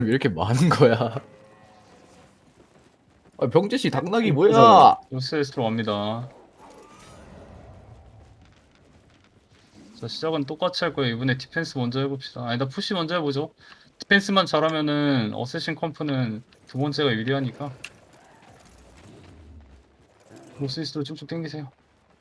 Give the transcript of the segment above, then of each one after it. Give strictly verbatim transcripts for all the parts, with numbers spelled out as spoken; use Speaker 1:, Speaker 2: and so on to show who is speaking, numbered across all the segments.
Speaker 1: 왜 이렇게 많은 거야? 아, 병재씨 당나귀 뭐야?
Speaker 2: 노스웨스트로 갑니다. 자, 시작은 똑같이 할 거예요. 이번에 디펜스 먼저 해봅시다. 아니다, 푸시 먼저 해보죠. 디펜스만 잘하면은 어쌔신 컴프는 두 번째가 유리하니까. 노스이스트로 쭉쭉 당기세요.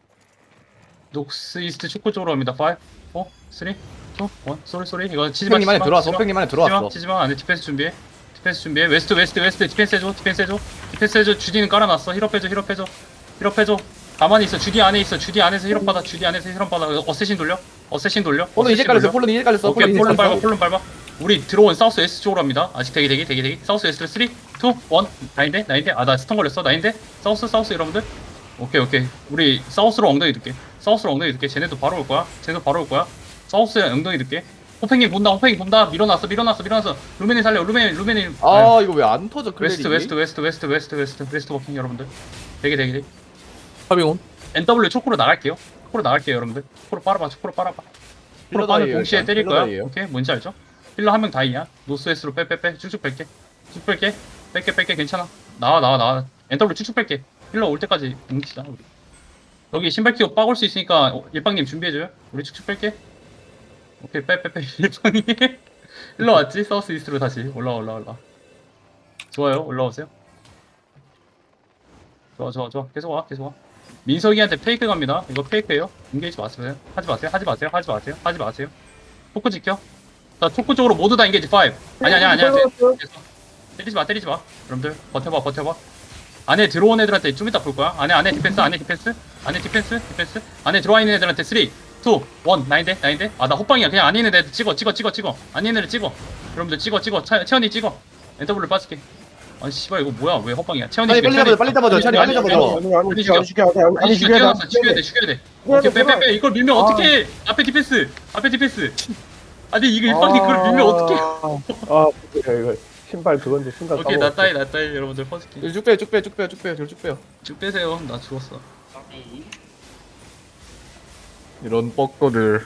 Speaker 2: 노스이스트 축구 쪽으로 갑니다. 오, 사, 이, 이, 일. 쏘리 쏘리. 이거 치지마.
Speaker 1: 호팽님 안에 들어왔어. 호팽님 안에 들어왔어.
Speaker 2: 치지마. 치지마. 안에 디펜스 준비해. 디펜스 준비해. 웨스트 웨스트 웨스트 디펜스 해줘. 디펜스 해줘. 디펜스 해줘. 주디는 깔아놨어. 힐업 해줘. 힐업 해줘. 힐업 해줘. 가만히 있어. 주디 안에 있어. 주디 안에서 힐업 받아. 주디 안에서 힐업 받아. 어쌔신 돌려. 어쌔신 돌려.
Speaker 1: 폴론 이제
Speaker 2: 어쌔신
Speaker 1: 깔렸어.
Speaker 2: 돌려.
Speaker 1: 폴론 이제 깔렸어.
Speaker 2: 오케이.
Speaker 1: 폴론 이제
Speaker 2: 폴론 밟아.
Speaker 1: 깔렸어.
Speaker 2: 폴론 밟아. 우리 들어온 사우스 웨스트 쪽으로 합니다. 아직 대기 대기 대기 대기. 사우스 웨스트 삼, 이, 일. 나인데 나인데. 아 나 스턴 걸렸어. 나인데. 사우스 사우스 여러분들. 오케이 오케이. 우리 사우스로 엉덩이 듣게. 사우스로 엉덩이 듣게. 쟤네도 바로 올 거야. 쟤네도 바로 올 거야. 사우스에 엉덩이 듣게. 호팽이 본다. 호팽이 본다. 밀어놨어. 밀어놨어. 밀어놨어. 루멘이 살려. 루멘이 루멘이.
Speaker 1: 아 이거 왜 안 터져 클레리?
Speaker 2: 웨스트 웨스트 웨스트 웨스트 웨스트 웨스트 웨스트 워킹 여러분들. 대기 대기 대기.
Speaker 3: 파밍온.
Speaker 2: 엔더블유 초코로 나갈게요. 초코로 나갈게요 여러분들. 초코로 빨아봐. 초코로 빨아봐. 초코로 빠는
Speaker 1: 힐러
Speaker 2: 동시에
Speaker 1: 다이에요,
Speaker 2: 때릴
Speaker 1: 힐러
Speaker 2: 거야.
Speaker 1: 다이에요.
Speaker 2: 오케이 뭔지 알죠? 힐러 한 명 다이야. 노스웨스트로 빼빼빼. 쭉쭉 뺄게. 쭉 뺄게. 뺄게 뺄게 괜찮아. 나와 나와 나와. 엔더블유 쭉쭉 뺄게. 힐러 올 때까지 뭉치자 우리. 여기 신발 키고 빠올 수 있으니까 어, 일방님 준비해줘요. 우리 쭉쭉 뺄게. 오케이 빼빼빼 일방이 일로 왔지? 사우스 이스트로 다시 올라와 올라와 올라와. 좋아요 올라오세요. 좋아 좋아 좋아 계속 와 계속 와. 민석이한테 페이크 갑니다. 이거 페이크예요. 인게이지 마세요. 하지 마세요. 하지 마세요. 하지 마세요. 하지 마세요. 초크 지켜. 자 초크 쪽으로 모두 다 인게이지 오. 아니 아니 아니 아니. 때리지 마 때리지 마. 여러분들 버텨봐 버텨봐. 안에 들어온 애들한테 좀 이따 볼 거야. 안에 안에 디펜스 안에 디펜스 안에 디펜스 디펜스 안에 들어와 있는 애들한테 삼, 이, 일 나인데 나인데. 아 나 호빵이야. 그냥 안에 있는 애들 찍어 찍어 찍어 찍어. 안에 있는 애들 찍어. 여러분들 찍어 찍어. 차, 채연이 찍어. 엔더블을 빠질게. 아니 씨발 이거 뭐야 왜 호빵이야. 채연이
Speaker 1: 빨리
Speaker 2: 죽여,
Speaker 1: 빨리 잡아줘. 빨리 잡아줘. 샤리 빨리 잡아줘.
Speaker 4: 아니 아니
Speaker 2: 빨리
Speaker 4: 죽여 안 죽여 안
Speaker 2: 아니
Speaker 4: 죽여
Speaker 2: 죽여야
Speaker 4: 안
Speaker 2: 돼 죽여야 돼 죽여야 돼.
Speaker 4: 죽여야
Speaker 2: 오케이
Speaker 4: 돼,
Speaker 2: 빼빼빼 이걸 밀면
Speaker 4: 아.
Speaker 2: 어떡해. 앞에 디펜스 앞에 디펜스. 아니 이거 일방이 그걸 밀면 어떡해.
Speaker 4: 아 이거 이거 신발 그건데 신발
Speaker 2: 오케이 나 따위 나 따위 여러분들 퍼스키
Speaker 1: 쭉 빼요. 쭉 빼요. 쭉 빼요. 쭉 빼요. 쭉 빼요.
Speaker 2: 쭉 빼세요. 나 죽었어.
Speaker 1: 이런 뻑거들.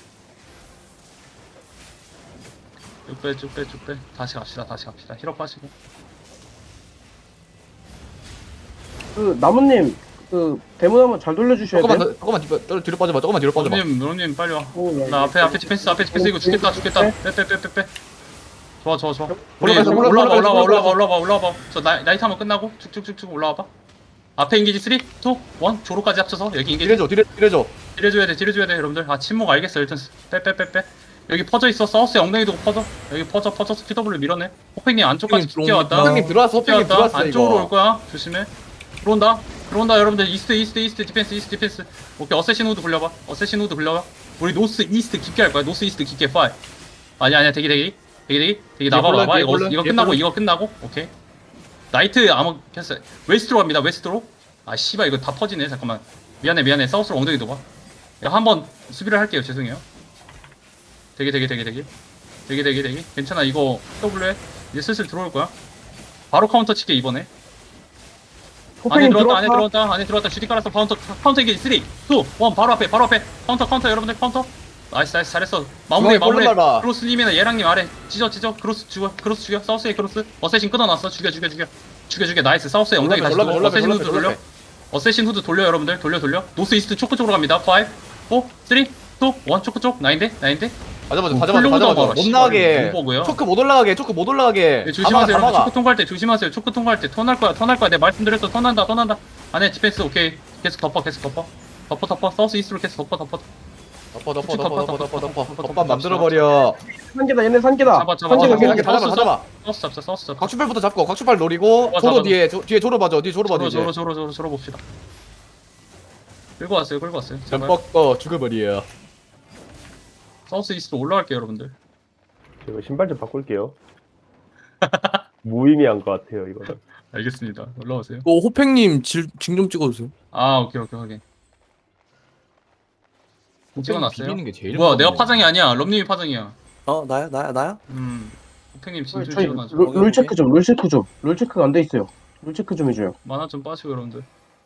Speaker 2: 쭉 빼 쭉 빼 쭉 빼. 다시 갑시다 다시 갑시다. 힐업 빠지고.
Speaker 4: 그 나무님 그 대문 한번 잘 돌려주셔야
Speaker 1: 조금만
Speaker 4: 돼요.
Speaker 1: 더, 조금만 뒤로, 빠- 뒤로 빠져봐. 조금만 뒤로 빠져봐.
Speaker 2: 노님 노님 빨리 와.
Speaker 4: 오, 야,
Speaker 2: 나 앞에 앞에 디펜스 앞에 디펜스 이거 죽겠다 죽겠다.
Speaker 4: 네.
Speaker 2: 빼 빼 빼 빼 빼. 좋아 좋아 좋아. 우리
Speaker 1: 올라가서,
Speaker 2: 올라와
Speaker 1: 올라가서,
Speaker 2: 올라와 올라와
Speaker 1: 올라가서.
Speaker 2: 올라와 올라와. 저 나, 나이트 한번 끝나고 쭉쭉쭉쭉 올라와봐. 앞에 인기지 삼, 이, 일 조로까지 합쳐서 여기 인기지.
Speaker 1: 딜해줘. 딜해, 딜해줘.
Speaker 2: 딜해줘야 돼 딜해줘야 돼 여러분들. 아 침묵 알겠어 일단 빼 빼 빼 빼. 여기 퍼져 있어. 사우스에 엉덩이도 퍼져. 여기 퍼져 퍼져서 피더블유 밀어내. 호팽님 안쪽까지
Speaker 3: 호팽님
Speaker 2: 깊게 왔다.
Speaker 3: 들어옵니다.
Speaker 1: 호팽님 들어왔어. 호팽님
Speaker 2: 왔다.
Speaker 1: 들어왔어.
Speaker 2: 안쪽으로 올
Speaker 1: 이거.
Speaker 2: 거야. 조심해. 들어온다. 들어온다 여러분들. 이스트 이스트 이스트 디펜스 이스트 디펜스. 오케이 어쌔신 후드 굴려봐. 어쌔신 후드 굴려봐. 우리 노스 이스트 깊게 할 거야. 노스 이스트 깊게 오. 아니야 아니야 대기 대기 대기 대기 대기 나봐
Speaker 1: 폴론,
Speaker 2: 봐봐.
Speaker 1: 뒤에
Speaker 2: 이거
Speaker 1: 폴론,
Speaker 2: 이거
Speaker 1: 뒤에
Speaker 2: 끝나고
Speaker 1: 폴론.
Speaker 2: 이거 끝나고 오케이. 나이트 아마 켰어요. 웨스트로 갑니다. 웨스트로. 아 씨발 이거 다 퍼지네. 잠깐만. 미안해 미안해. 사우스로 엉덩이 둬봐. 한번 수비를 할게요. 죄송해요. 대기 대기 대기 대기 대기 대기 대기 괜찮아. 이거 W 이제 슬슬 들어올 거야. 바로 카운터 칠게 이번에. 안에
Speaker 4: 호팽님
Speaker 2: 들어왔다 안에
Speaker 4: 들어왔다.
Speaker 2: 들어왔다 안에 들어왔다. 주디 깔았어. 카운터 카운터 이게 삼, 이, 일 바로 앞에 바로 앞에 카운터 카운터 여러분들 카운터. 나이스 나이스 잘했어. 마무리
Speaker 1: 중앙에
Speaker 2: 마무리.
Speaker 1: 볼륨 밟아.
Speaker 2: 크로스님이나 얘랑님 아래 찢어 찢어. 크로스 죽어 크로스 죽여. 사우스에 크로스. 어쌔신 끊어놨어. 죽여 죽여 죽여 죽여 죽여. 나이스. 사우스에 엉덩이 다시
Speaker 1: 올라가,
Speaker 2: 돌려.
Speaker 1: 올라가,
Speaker 2: 어쌔신
Speaker 1: 올라가,
Speaker 2: 후드 돌려.
Speaker 1: 올라가.
Speaker 2: 어쌔신 후드 돌려 여러분들. 돌려 돌려. 노스 이스트 초크 쪽으로 갑니다. 오, 사, 삼, 이, 일 초크 쪽. 나인데 나인데.
Speaker 1: 다 잡아줘. 다
Speaker 2: 어,
Speaker 1: 잡아줘. 다
Speaker 2: 훌륭하다,
Speaker 1: 잡아줘.
Speaker 2: 봐라.
Speaker 1: 못
Speaker 2: 씨발,
Speaker 1: 나가게.
Speaker 2: 너무 버그야.
Speaker 1: 초크 못 올라가게. 초크 못 올라가게.
Speaker 2: 네, 조심하세요
Speaker 1: 다
Speaker 2: 여러분.
Speaker 1: 막아.
Speaker 2: 초크 통과할 때 조심하세요. 초크 통과할 때 턴할 거야 턴할 거야. 내가 말씀드렸어. 턴한다 턴한다. 안에 디펜스 오케이. 계속 덮어 계속 덮어 덮어 덮어. 사우스 이스트로 계속 덮어 덮어.
Speaker 1: 덮어 덮어
Speaker 2: 덮어,
Speaker 1: 덮어
Speaker 2: 덮어,
Speaker 1: 덮어 덮어
Speaker 2: 덮어,
Speaker 1: 덮어
Speaker 2: 덮어,
Speaker 1: 덮밥
Speaker 2: 덮어,
Speaker 1: 만들어 버려.
Speaker 4: 산계다 얘네 산계다.
Speaker 2: 잡아, 잡아,
Speaker 4: 산계
Speaker 2: 잡아,
Speaker 4: 산계
Speaker 1: 이렇게 다 잡아
Speaker 2: 사우스,
Speaker 1: 다 잡아.
Speaker 2: 사우스 잡자 사우스 잡자.
Speaker 1: 곽추팔부터 잡고 곽추팔 노리고
Speaker 2: 잡아,
Speaker 1: 조로
Speaker 2: 잡아.
Speaker 1: 뒤에 조, 뒤에 조로 봐줘. 뒤에 조로 봐줘
Speaker 2: 저로
Speaker 1: 이제.
Speaker 2: 저로 저로 저로 저로 봅시다. 끌고 왔어요 끌고 왔어요. 제발.
Speaker 1: 뻑거 죽어버려.
Speaker 2: 사우스 이스트로 올라갈게요 여러분들.
Speaker 4: 제가 신발 좀 바꿀게요. 무의미한 것 같아요 이거는.
Speaker 2: 알겠습니다. 올라오세요.
Speaker 3: 어 호팽님 징좀 찍어주세요.
Speaker 2: 아 오케이 오케이 확인. 찍어놨어요.
Speaker 1: 비비는 게 제일
Speaker 2: 뭐야
Speaker 1: 무섭네.
Speaker 2: 내가 파장이 아니야. 럼님이 파장이야.
Speaker 3: 어 나야 나야 나야?
Speaker 2: 음. 호팽님 진짜
Speaker 4: 저희
Speaker 2: 찍어놔줘.
Speaker 4: 롤, 롤 체크 좀 롤 체크 좀롤 체크가 안 돼 있어요. 롤 체크 좀 해줘요.
Speaker 2: 만화 좀 빠지고 여러분들.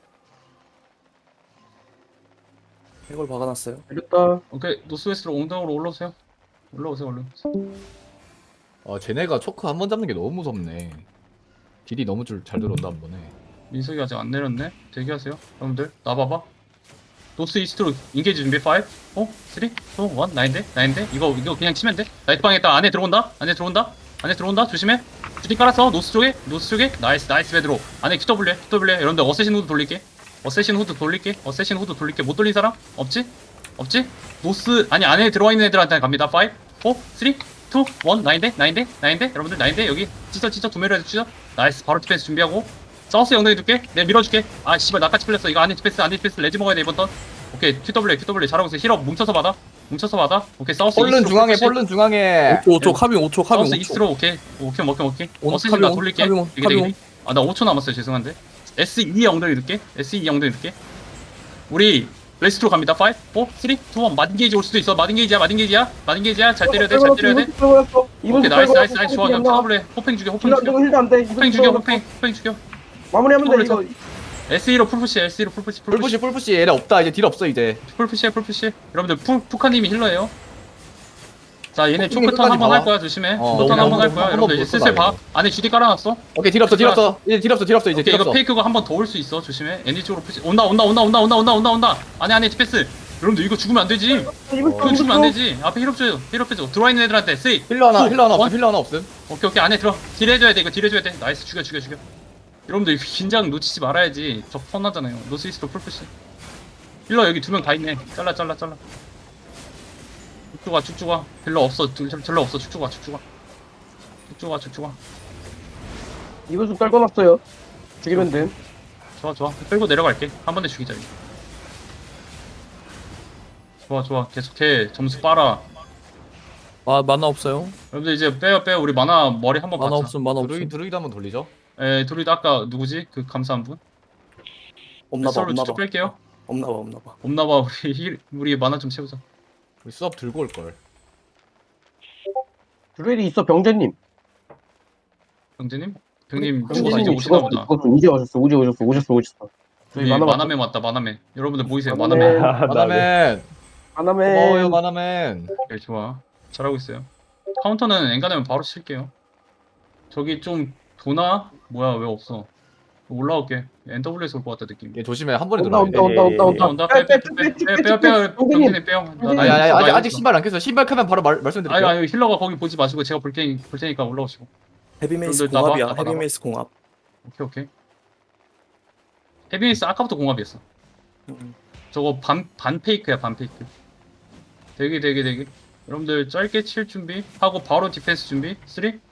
Speaker 3: 이걸 박아놨어요.
Speaker 4: 알겠다.
Speaker 2: 오케이 노스웨스트로 옹당으로 올라오세요. 올라오세요 얼른.
Speaker 1: 아 쟤네가 초크 한 번 잡는 게 너무 무섭네. 딜이 너무 줄 잘 들어온다 한 번에.
Speaker 2: 민석이 아직 안 내렸네. 대기하세요. 여러분들 나봐봐. 노스 이스트로 인게이지 준비. 오, 사, 이, 일, 나인데? 나인데? 이거 이거 그냥 치면 돼. 나이트방에 있다. 안에 들어온다. 안에 들어온다. 안에 들어온다. 조심해. 주디 깔았어. 노스 쪽에. 노스 쪽에. 나이스 나이스 베드로. 안에 큐더블유. 큐더블유. 여러분들 어쌔신 후드 돌릴게. 어쌔신 후드 돌릴게. 어쌔신 후드 돌릴게. 못 돌린 사람? 없지? 없지? 노스 아니 안에 들어와 있는 애들한테 갑니다. 오, 사, 이, 일, 나인데? 나인데? 나인데? 여러분들 나인데? 여기 찢어 찢어 두 매로 해서 찢어. 나이스. 바로 디펜스 준비하고. 사우스 영동이 줄게. 내가 밀어줄게. 아 씨발 나까지 풀렸어. 이거 안에 디펜스 안에 디펜스 레지 먹어야 돼 이번 턴. 오케이 큐더블유 큐더블유 잘하고 있어. 힐업 뭉쳐서 받아. 뭉쳐서 받아. 오케이 사우스
Speaker 1: 폴른
Speaker 2: 이스트로
Speaker 1: 중앙에
Speaker 2: 푸시.
Speaker 1: 폴른 중앙에.
Speaker 3: 오 초 카빙 오 초 카빙
Speaker 2: 사우스
Speaker 3: 오 초.
Speaker 2: 이스트로 오케이. 오케이 오케이 오케이.
Speaker 3: 온,
Speaker 2: 어세신 나
Speaker 3: 카빙 온,
Speaker 2: 돌릴게.
Speaker 3: 카빙 온,
Speaker 2: 되게
Speaker 3: 카빙
Speaker 2: 되게. 아나 오 초 남았어요. 죄송한데. 에스 이 엉덩이 넣을게. 에스 이 엉덩이 넣을게. 우리 레스트로 갑니다. 오, 사, 이, 일 마딘게이지 올 수도 있어. 마딘게이지야 마딘게이지야 마딘게이지야. 잘 때려야 돼. 잘 때려야 돼. 오케이 나이스 나이스 나이스 좋아. 나 카블레 호팽 죽여 호팽
Speaker 4: 힐 안
Speaker 2: 죽여.
Speaker 4: 되고 힐도 안 돼.
Speaker 2: 호팽 죽여 호팽 호팽 죽여.
Speaker 4: 마무리하면 돼 이거.
Speaker 2: 에스 이로 풀푸시 에스 이로 풀푸시 풀푸시
Speaker 1: 풀푸시 풀푸시 얘네 없다. 이제 딜 없어 이제.
Speaker 2: 풀푸시야 풀푸시. 여러분들 푸, 푸카님이 힐러예요. 자 얘네
Speaker 1: 푸카님
Speaker 2: 초크턴
Speaker 1: 끝까지
Speaker 2: 한번
Speaker 1: 봐.
Speaker 2: 할 거야. 조심해.
Speaker 1: 어,
Speaker 2: 초크턴
Speaker 1: 너무
Speaker 2: 한번 할
Speaker 1: 너무
Speaker 2: 거야.
Speaker 1: 한번
Speaker 2: 여러분들 이제
Speaker 1: 못
Speaker 2: 슬슬 봐.
Speaker 1: 봐.
Speaker 2: 안에 주디 깔아놨어.
Speaker 1: 오케이 딜 없어 딜 없어. 이제 딜 없어 딜 없어 이제
Speaker 2: 오케이
Speaker 1: 딜
Speaker 2: 이거
Speaker 1: 없어.
Speaker 2: 페이크가 한 번 더 올 수 있어. 조심해. 애니 쪽으로 푸시. 온다 온다 온다 온다 온다 온다 온다 온다. 안에 안에 디펜스. 여러분들 이거 죽으면 안 되지. 이거 죽으면 안 되지. 앞에 힐업 줘요. 힐업 해줘. 들어와 있는 애들한테 쓰리.
Speaker 1: 힐러 하나
Speaker 2: 투,
Speaker 1: 힐러 하나
Speaker 2: 원.
Speaker 1: 없음 힐러 하나 없음.
Speaker 2: 오케이 오케이 안에 들어. 딜 해줘야 돼. 이거 딜 해줘야 돼. 나이스 죽여 죽여 죽여. 여러분들 이거 긴장 놓치지 말아야지. 적 펀하잖아요. 노스이스트로 풀푸시. 힐러 여기 두 명 다 있네. 잘라 잘라 잘라. 쭉쭉아 쭉쭉아. 힐러 없어. 힐러 없어. 쭉쭉아 쭉쭉아. 쭉쭉아 쭉쭉아.
Speaker 4: 이것도 떨궈놨어요. 죽이면 돼.
Speaker 2: 좋아 좋아. 끌고 내려갈게. 한 번에 죽이자. 이거. 좋아 좋아. 계속해. 점수 빨아.
Speaker 3: 아 만화 없어요.
Speaker 2: 여러분들 이제 빼요 빼요. 우리 만화 머리 한번
Speaker 3: 만화
Speaker 2: 받자.
Speaker 3: 없음 만화
Speaker 1: 드루이
Speaker 3: 없음.
Speaker 1: 드루이도 한번 돌리죠.
Speaker 2: 에 둘이도 아까 누구지? 그 감사한 분?
Speaker 3: 없나봐
Speaker 2: 서로
Speaker 3: 없나봐.
Speaker 2: 쭉쭉 뺄게요.
Speaker 3: 없나봐 없나봐.
Speaker 2: 없나봐. 우리 힐 우리 만화 좀 채우자.
Speaker 1: 우리 수업 들고 올 걸.
Speaker 4: 드레일이 있어 병재님.
Speaker 2: 병재님? 병님
Speaker 1: 병재님
Speaker 2: 죽어서 이제
Speaker 4: 병재님이
Speaker 2: 오시나
Speaker 4: 죽었어.
Speaker 2: 보다.
Speaker 4: 죽었어. 이제 오셨어. 이제 오셨어. 오셨어. 오셨어. 저희
Speaker 2: 우리
Speaker 4: 만화
Speaker 2: 만화맨 왔다. 만화맨. 여러분들 모이세요.
Speaker 4: 만화맨.
Speaker 2: 만화맨.
Speaker 1: 마나맨
Speaker 4: 만화맨.
Speaker 1: 고마워요 마나맨.
Speaker 2: 네, 좋아. 잘하고 있어요. 카운터는 엔간하면 바로 칠게요. 저기 좀 도나? 뭐야 왜 없어? 올라올게. 엔더블유에서 올 것 같다 느낌.
Speaker 1: 얘 조심해 한 번에
Speaker 4: 온다
Speaker 1: 들어와.
Speaker 4: 온다 온다 온다
Speaker 2: 온다
Speaker 4: 온다.
Speaker 2: 온다. 빼빼빼빼빼빼빼. 병진이 빼요. 나- 나
Speaker 1: 아니 아니
Speaker 2: 이거
Speaker 1: 아직
Speaker 2: 이거
Speaker 1: 아직
Speaker 2: 있어.
Speaker 1: 신발 안 깼어. 신발 크면 바로 말
Speaker 2: 아니
Speaker 1: 말씀드릴게요.
Speaker 2: 아니 힐러가 거기 보지 마시고 제가 볼 테니 볼 테니까 올라오시고.
Speaker 3: 헤비메이스
Speaker 2: 여러분들 나봐,
Speaker 3: 공합이야.
Speaker 2: 나봐, 나봐.
Speaker 3: 헤비메이스 공합.
Speaker 2: 오케이 오케이. 헤비메이스 아까부터 공합이었어.
Speaker 3: 음.
Speaker 2: 저거 반, 반 페이크야 반 페이크. 대기 대기 대기. 여러분들 짧게 칠 준비 하고 바로 디펜스 준비. 삼, 이, 일.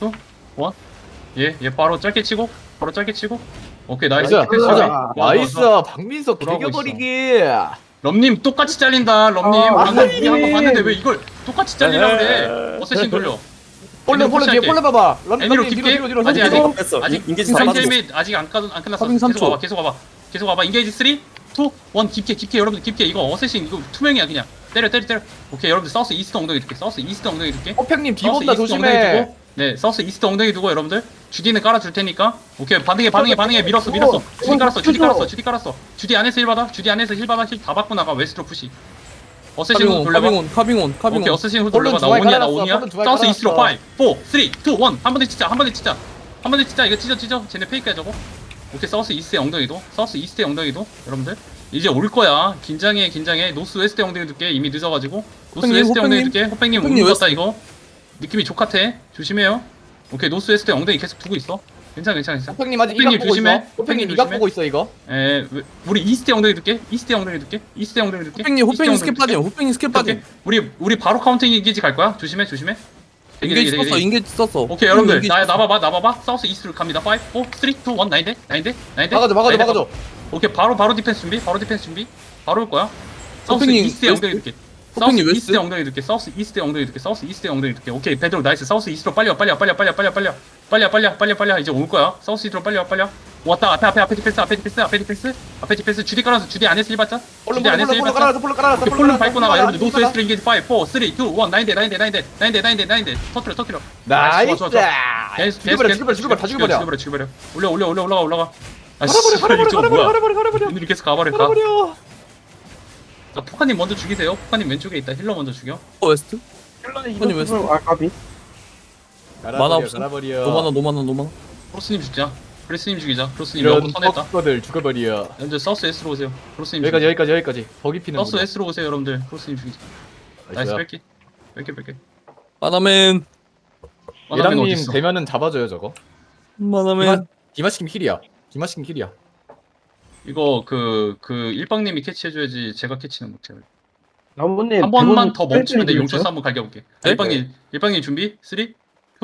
Speaker 2: 얘, 얘 바로 짧게 치고 바로 짧게 치고. 오케이 나이스.
Speaker 1: 나이스
Speaker 2: 디펜스
Speaker 1: 가자.
Speaker 2: 준비. 좋아, 좋아,
Speaker 1: 나이스
Speaker 2: 좋아.
Speaker 1: 박민석
Speaker 2: 돌아오고
Speaker 1: 개겨버리기.
Speaker 2: 럼님 똑같이 잘린다. 럼님
Speaker 4: 아,
Speaker 2: 방금 우리
Speaker 4: 아니.
Speaker 2: 한번 봤는데 왜 이걸 똑같이 잘리라 그래. 어쌔신 돌려.
Speaker 1: 폴른 폴른 뒤에 폴른 봐봐. 런
Speaker 2: 애니로
Speaker 1: 런 뒤로
Speaker 2: 깊게?
Speaker 1: 뒤로 뒤로
Speaker 2: 아직,
Speaker 1: 뒤로.
Speaker 2: 아직.
Speaker 3: 뺐어.
Speaker 2: 아직
Speaker 3: 인게이지 다 빠졌어.
Speaker 2: 인게이지 아직 안, 끝, 안 끝났어.
Speaker 3: 서빙 삼
Speaker 2: 계속
Speaker 3: 초.
Speaker 2: 와봐, 계속 와봐, 계속 와봐. 인게이지 삼, 이, 일 깊게 깊게 여러분들 깊게. 이거 어쌔신 이거 투명이야 그냥. 때려 때려 때려. 오케이 여러분들 사우스 이스트 엉덩이 줄게. 사우스 이스트 엉덩이 줄게.
Speaker 1: 호팽님 뒤
Speaker 2: 사우스
Speaker 1: 본다
Speaker 2: 이스트 엉덩이
Speaker 1: 조심해.
Speaker 2: 두고. 네 사우스 이스트 엉덩이 두고 여러분들 주디는 깔아줄 테니까. 오케이 반응해 반응해 반응해. 밀었어 밀었어. 주디 깔았어 주디 깔았어 주디 깔았어. 주디 안에서 힐 받아. 주디 안에서 힐 받아. 힐 다 받고 나가. 웨스트로 푸시. 어쌔신 후드
Speaker 3: 카빙온
Speaker 2: 돌려봐.
Speaker 3: 카빙온 카빙온
Speaker 2: 오케이
Speaker 3: 카빙온.
Speaker 2: 어쌔신 후드
Speaker 1: 폴른
Speaker 2: 돌려봐. 나
Speaker 1: 중앙에
Speaker 2: 온이야 나
Speaker 1: 깔아놨어,
Speaker 2: 온이야.
Speaker 1: 폴른 중앙에
Speaker 2: 사우스 이스트로 오,
Speaker 1: 깔아놨어.
Speaker 2: 사, 삼, 이, 일. 한 번에 찢자 한 번에 찢자. 한 번에 찢자. 이거 찢어 찢어. 쟤네 페이크야 저거. 오케이 사우스 이스트의 엉덩이도. 사우스 이스트의 엉덩이도. 여러분들 이제 올 거야. 긴장해 긴장해. 노스 웨스트 엉덩이 둘게. 이미 늦어가지고. 노스
Speaker 3: 호팽님,
Speaker 2: 웨스트 엉덩이
Speaker 3: 호팽님.
Speaker 2: 둘게. 호팽님
Speaker 3: 호팽님
Speaker 2: 오는 것 같다 이거. 느낌이 족같아. 조심해요. 오케이 노스 웨스트 엉덩이 계속 두고 있어. 괜찮아 괜찮아 괜찮아.
Speaker 1: 호팽님 아직
Speaker 2: 호팽님
Speaker 1: 이각 보고
Speaker 2: 조심해.
Speaker 1: 있어. 호팽님
Speaker 2: 호팽님
Speaker 1: 이각
Speaker 2: 조심해.
Speaker 1: 보고 있어 이거.
Speaker 2: 에 왜- 우리 이스트 엉덩이 둘게. 이스트 엉덩이 둘게. 이스트 엉덩이 둘게.
Speaker 3: 호팽님
Speaker 2: 이스트
Speaker 3: 호팽이
Speaker 2: 엉덩이
Speaker 3: 스킬
Speaker 2: 둘게.
Speaker 3: 빠짐. 호팽이 스킬
Speaker 2: 오케이.
Speaker 3: 빠짐.
Speaker 2: 우리 우리 바로 카운팅 인게이지 갈 거야. 조심해 조심해. 되게,
Speaker 3: 인게이지
Speaker 2: 되게,
Speaker 3: 썼어.
Speaker 2: 되게.
Speaker 3: 인게이지 썼어.
Speaker 2: 오케이 여러분들
Speaker 3: 인게이지
Speaker 2: 나
Speaker 3: 썼어.
Speaker 2: 나봐봐 나봐봐. 사우스 이스트로 갑니다. 오, 사, 삼, 이, 일 나인데 나인데 나인데.
Speaker 1: 막아줘 막아줘
Speaker 2: 나인데
Speaker 1: 막아줘.
Speaker 2: 오케이 바로 바로 디펜스 준비. 바로 디펜스 준비. 바로 올 거야. 사우스
Speaker 3: 호팽님
Speaker 2: 이스트에 엉덩이
Speaker 3: 웨스트?
Speaker 2: 둘게. 사우스
Speaker 3: 호팽님 웨스트?
Speaker 2: 이스트에 엉덩이 둘게. 사우스 이스트에 엉덩이 둘게. 사우스 이스트에 엉덩이 둘게. 오케이 베드로 나이스. 사우스 이스트로 빨리 와 빨리 와 빨리 와 빨리 와 빨리 와 빨리 와 빨리 와 빨리 와 빨리 와 빨리 와. 이제 올 거야. 사우스 이스트로 빨리 와 빨리 와. 왔다 앞에 앞에 앞에 디펜스 앞에 디펜스 앞에 디펜스 앞에 디펜스. 주디 깔아서 주디 안에서 일 받자.
Speaker 1: 폴른
Speaker 2: 주디
Speaker 1: 폴른
Speaker 2: 안에서 일
Speaker 1: 폴른
Speaker 2: 받자.
Speaker 1: 깔아놨어 폴른 깔아놨어.
Speaker 2: 오케이, 폴름 밟고 나가. 여러분들 노스 웨스트 인게이지 오, 사, 삼, 이, 일 나인데 나인데 나인데 나인데 나인데 나인데 터트려 터트려.
Speaker 1: 나이스.
Speaker 2: 좋아, 좋아, 좋아. 계속
Speaker 1: 죽여버려
Speaker 2: 계속
Speaker 1: 죽여버려 죽여버려 다 죽여버려.
Speaker 2: 죽여버려 죽여버려. 올려 올려 올려 올라가 올라가. 아 씨,
Speaker 1: 가라버려 가라버려
Speaker 2: 이거
Speaker 1: 가라버려
Speaker 2: 뭐야?
Speaker 1: 가라버려 가라버려.
Speaker 2: 오늘 계속 가버려 가.
Speaker 1: 가라버려.
Speaker 2: 자, 포카님 먼저 죽이세요. 포카님 왼쪽에 있다. 힐러 먼저 죽여.
Speaker 3: 웨스트.
Speaker 4: 힐러는
Speaker 3: 아니, 왜
Speaker 4: 이거 아 까비.
Speaker 1: 갈아버려
Speaker 5: 만화 없어?
Speaker 1: 갈아버려.
Speaker 5: 노만원 노만원 노만원.
Speaker 2: 크로스님 죽자. 크리스님 죽이자. 크로스님
Speaker 1: 이런
Speaker 2: 여보 터냈다.
Speaker 1: 퍽거들 죽어버려.
Speaker 2: 여러분들 사우스 S로 오세요. 크로스님
Speaker 1: 여기까지
Speaker 2: 죽이자.
Speaker 1: 여기까지 여기까지. 버기 피는
Speaker 2: 사우스 S로 오세요 여러분들. 크로스님 죽이자. 나이스 뺄게. 뺄게 뺄게.
Speaker 5: 마나맨
Speaker 2: 만화면
Speaker 1: 예랑님
Speaker 2: 어딨어?
Speaker 1: 되면은 잡아줘요 저거.
Speaker 5: 마나맨.
Speaker 1: 디마시킴 힐이야. 디마시킴 힐이야.
Speaker 2: 이거 그 그 일방님이 캐치해줘야지 제가 캐치는 못해요.
Speaker 4: 나무님
Speaker 2: 한 번만
Speaker 4: 대본
Speaker 2: 더 멈추면 내
Speaker 4: 뺄
Speaker 2: 용천수
Speaker 4: 때리죠?
Speaker 2: 한번 갈겨볼게.
Speaker 5: 네?
Speaker 2: 일방님 일방님 준비 쓰리, 투,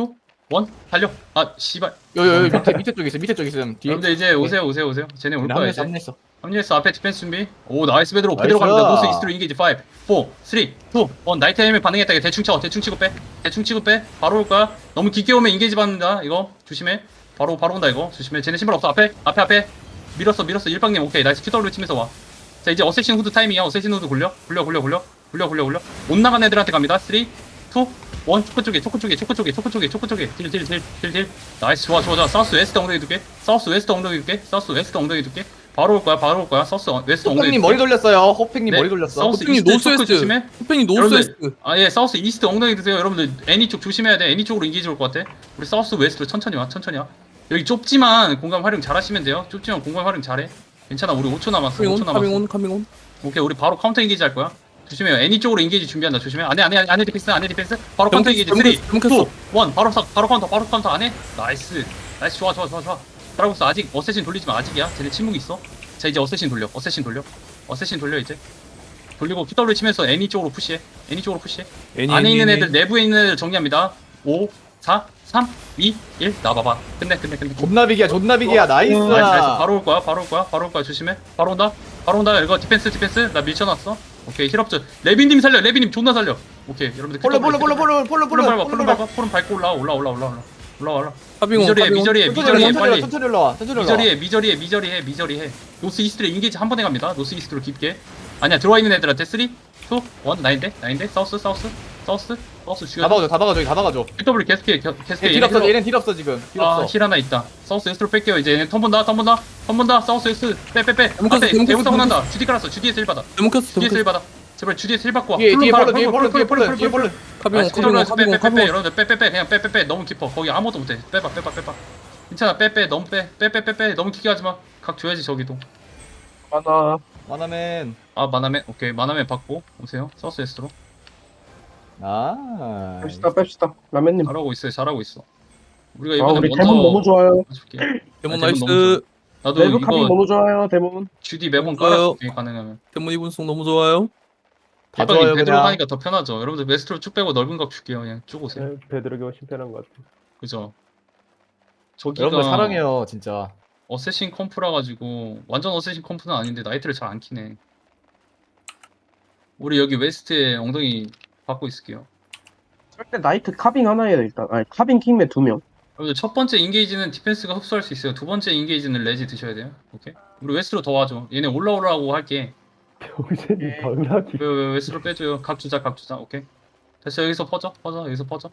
Speaker 2: 원 달려. 아 씨발.
Speaker 1: 여기 여기 밑에 밑에 쪽에 있어. 밑에 쪽에 있어. 뒤에.
Speaker 2: 여러분들 이제 오세요 오세요 오세요. 쟤네 올 거야
Speaker 1: 합류했어
Speaker 2: 이제.
Speaker 1: 합류했어.
Speaker 2: 합류했어. 앞에 디펜스 준비. 오 나이스 베드로
Speaker 1: 나이스.
Speaker 2: 그대로 갑니다. 노스 이스트로 인게이지 오, 사, 삼, 이, 일. 나이트 헬멧 반응했다. 이거 대충 쳐. 대충 치고 빼. 대충 치고 빼. 바로 올 거야. 너무 깊게 오면 인게이지 받는다. 이거 조심해. 바로 바로 온다 이거. 조심해. 쟤네 신발 없어. 앞에 앞에 앞에. 밀었어 밀었어. 일방님 오케이. 나이스 큐더블유 치면서 와. 자 이제 어쌔신 후드 타이밍이야. 어쌔신 후드 굴려. 굴려 굴려 굴려. 굴려 굴려 굴려. 못 나간 애들한테 갑니다. 삼, 이, 일. 초코 쪽에 초코 쪽에 초코 쪽에 초코 쪽에 초코 쪽에 딜 딜 딜 딜 딜. 나이스 좋아 좋아 좋아. 사우스 웨스트 엉덩이 두께. 사우스 웨스트 엉덩이 두께. 사우스 웨스트 엉덩이 두께. 바로 올 거야. 바로 올 거야. 사우스 웨스트 엉덩이
Speaker 1: 호팽님
Speaker 2: 두께.
Speaker 1: 머리 돌렸어요. 호팽님
Speaker 2: 네,
Speaker 1: 머리 돌렸어.
Speaker 2: 사우스
Speaker 5: 호팽이
Speaker 2: 이스트 초크
Speaker 5: 노스웨스트.
Speaker 2: 조심해.
Speaker 5: 호팽이
Speaker 2: 여러분들,
Speaker 5: 노스웨스트.
Speaker 2: 아 예 사우스 이스트 엉덩이 드세요. 여러분들 애니 쪽 조심해야 돼. 애니 쪽으로 인기지 올 것 같아. 우리 사우스 웨스트로 천천히 와. 천천히 와. 여기 좁지만 공간 활용 잘하시면 돼요. 좁지만 공간 활용 잘해. 괜찮아. 우리 오 초 남았어. 오 초
Speaker 5: 카밍온
Speaker 2: 남았어.
Speaker 5: 카밍온 카밍온.
Speaker 2: 오케이 우리 바로 카운터 인게이지 할 거야. 조심해요. 애니 쪽으로 인게이지 준비한다. 조심해. 안해 안해 안해 디펜스 안해 디펜스. 바로 카운터 인게이지 삼, 이, 이,
Speaker 5: 잘못했어.
Speaker 2: 일. 바로 사, 바로 카운터 바로 카운터 안해. 나이스. 나이스 좋아 좋아 좋아 좋아. 드라고스 아직 어쌔신 돌리지 마. 아직이야. 쟤네 침묵 있어. 자 이제 어쌔신 돌려. 어쌔신 돌려. 어쌔신 돌려 이제. 돌리고 큐더블유 치면서 애니 쪽으로 푸시해. 애니 쪽으로 푸시해.
Speaker 5: 애니,
Speaker 2: 안에
Speaker 5: 애니,
Speaker 2: 있는
Speaker 5: 애니.
Speaker 2: 애들 내부에 있는 애들 정리합니다. 오, 사, 삼, 이, 일. 나봐봐. 끝내 끝내 끝내.
Speaker 1: 존나비기야 존나비기야. 나이스.
Speaker 2: 나이스 나이스. 바로 올 거야. 바로 올 거야. 바로 올 거야. 조심해. 바로 온다. 바로 온다. 이거 디펜스 디펜스. 나 밀쳐놨어. 오케이 힐업즈. 레빈님 살려. 레빈님 존나 살려. 오케이 여러분들.
Speaker 1: 볼로 볼로 볼로 볼로 볼로
Speaker 2: 폴름 밟아.
Speaker 1: 볼로
Speaker 2: 폴름 밟아. 폴름 밟고 올라. 올라 올라 올라 올라. 올라 올라.
Speaker 5: 카밍온
Speaker 2: 미저리해
Speaker 5: 카밍온.
Speaker 2: 미저리해
Speaker 1: 천천히
Speaker 2: 미저리해
Speaker 1: 올라
Speaker 2: 빨리.
Speaker 1: 천천히 올라와. 천천히 올라와.
Speaker 2: 미저리해 미저리해 미저리해 미저리해. 노스 이스트로 인게이지 한 번에 갑니다. 노스 이스트로 깊게. 아니야 들어와 있는 애들한테 쓰리, 이, 일. 나인데 나인데 사우스 사우스 사우스 사우스 죽여.
Speaker 1: 다 박아줘 다 박아줘 다 박아줘.
Speaker 2: 큐더블 계속해 계속해.
Speaker 1: 딜 없어 얘는 딜 없어 지금. 딜
Speaker 2: 아,
Speaker 1: 없어.
Speaker 2: 힐 하나 있다. 사우스 웨스트로 뺄게요. 이제 얘네 턴 본다, 턴 본다, 턴 본다. 사우스 웨스트 빼, 빼, 빼.
Speaker 5: 데모크라스,
Speaker 2: 앞에
Speaker 5: 데모크라스,
Speaker 2: 대문 사고
Speaker 5: 데모크라스.
Speaker 2: 난다. 주디 깔았어. 주디에서 일 받아.
Speaker 5: 데모크라스
Speaker 2: 주디에서 일
Speaker 5: 데모크라스.
Speaker 2: 받아. 제발 주디에서 일 받고 와.
Speaker 1: 뒤에 뒤에
Speaker 2: 폴름
Speaker 1: 볼로 뒤에
Speaker 2: 폴름,
Speaker 1: 볼로 뒤에
Speaker 2: 폴름,
Speaker 1: 볼로
Speaker 2: 폴름,
Speaker 1: 뒤에
Speaker 2: 폴름,
Speaker 1: 볼로.
Speaker 5: 카밍온
Speaker 2: 나이스,
Speaker 5: 카밍온
Speaker 2: 나이스. 빼, 빼,
Speaker 5: 카밍온
Speaker 2: 빼, 빼.
Speaker 5: 카밍온.
Speaker 2: 여러분들 빼, 빼, 빼. 그냥 빼, 빼, 빼. 너무 깊어. 거기 아무것도 못해. 빼봐, 빼봐, 빼봐. 괜찮아. 빼, 빼. 너무 빼. 빼, 빼, 빼, 빼. 너무 깊게 하지 마. 각 줘야지 저기도.
Speaker 4: 하나
Speaker 1: 만화맨.
Speaker 2: 아, 마나맨. 오케이. 마나맨 받고 오세요. 사우스 웨스트로.
Speaker 1: 아.
Speaker 4: 뺍시다 뺍시다 라면님.
Speaker 2: 잘하고 있어요. 잘하고 있어. 우리가
Speaker 4: 아
Speaker 2: 이번에
Speaker 4: 우리
Speaker 2: 먼저
Speaker 4: 대문 너무 좋아요.
Speaker 2: 해줄게.
Speaker 5: 데몬
Speaker 2: 아, 데몬 너무
Speaker 5: 나이스.
Speaker 2: 나도
Speaker 4: 내부 카빙
Speaker 2: 이거
Speaker 4: 너무 좋아요 대문.
Speaker 2: 주디 매번
Speaker 5: 좋아요.
Speaker 2: 깔아줄게 가능하면.
Speaker 5: 데몬 이분송 너무 좋아요.
Speaker 1: 다
Speaker 2: 대박이
Speaker 1: 좋아요
Speaker 2: 베드로
Speaker 1: 그냥.
Speaker 2: 하니까 더 편하죠. 여러분들 웨스트로 쭉 빼고 넓은 각 줄게요. 그냥 쭉 오세요.
Speaker 4: 네, 베드로기 훨씬 편한 것 같아.
Speaker 2: 그죠? 저기가
Speaker 1: 여러분들 사랑해요 진짜.
Speaker 2: 어쌔신 컴프라 가지고 완전 어쌔신 컴프는 아닌데 나이트를 잘 안 키네. 우리 여기 웨스트에 엉덩이 받고 있을게요.
Speaker 4: 절대 나이트 카빙 하나에 일단. 아니 카빙 킹맨 두 명.
Speaker 2: 여러분들 첫 번째 인게이지는 디펜스가 흡수할 수 있어요. 두 번째 인게이지는 레지 드셔야 돼요. 오케이? 우리 웨스트로 더 와줘. 얘네 올라오라고 할게.
Speaker 4: 병신이 당나귀.
Speaker 2: 왜, 왜 웨스트로 빼줘요. 각 주자 각 주자. 오케이? 됐어. 여기서 퍼져 퍼져 여기서 퍼져.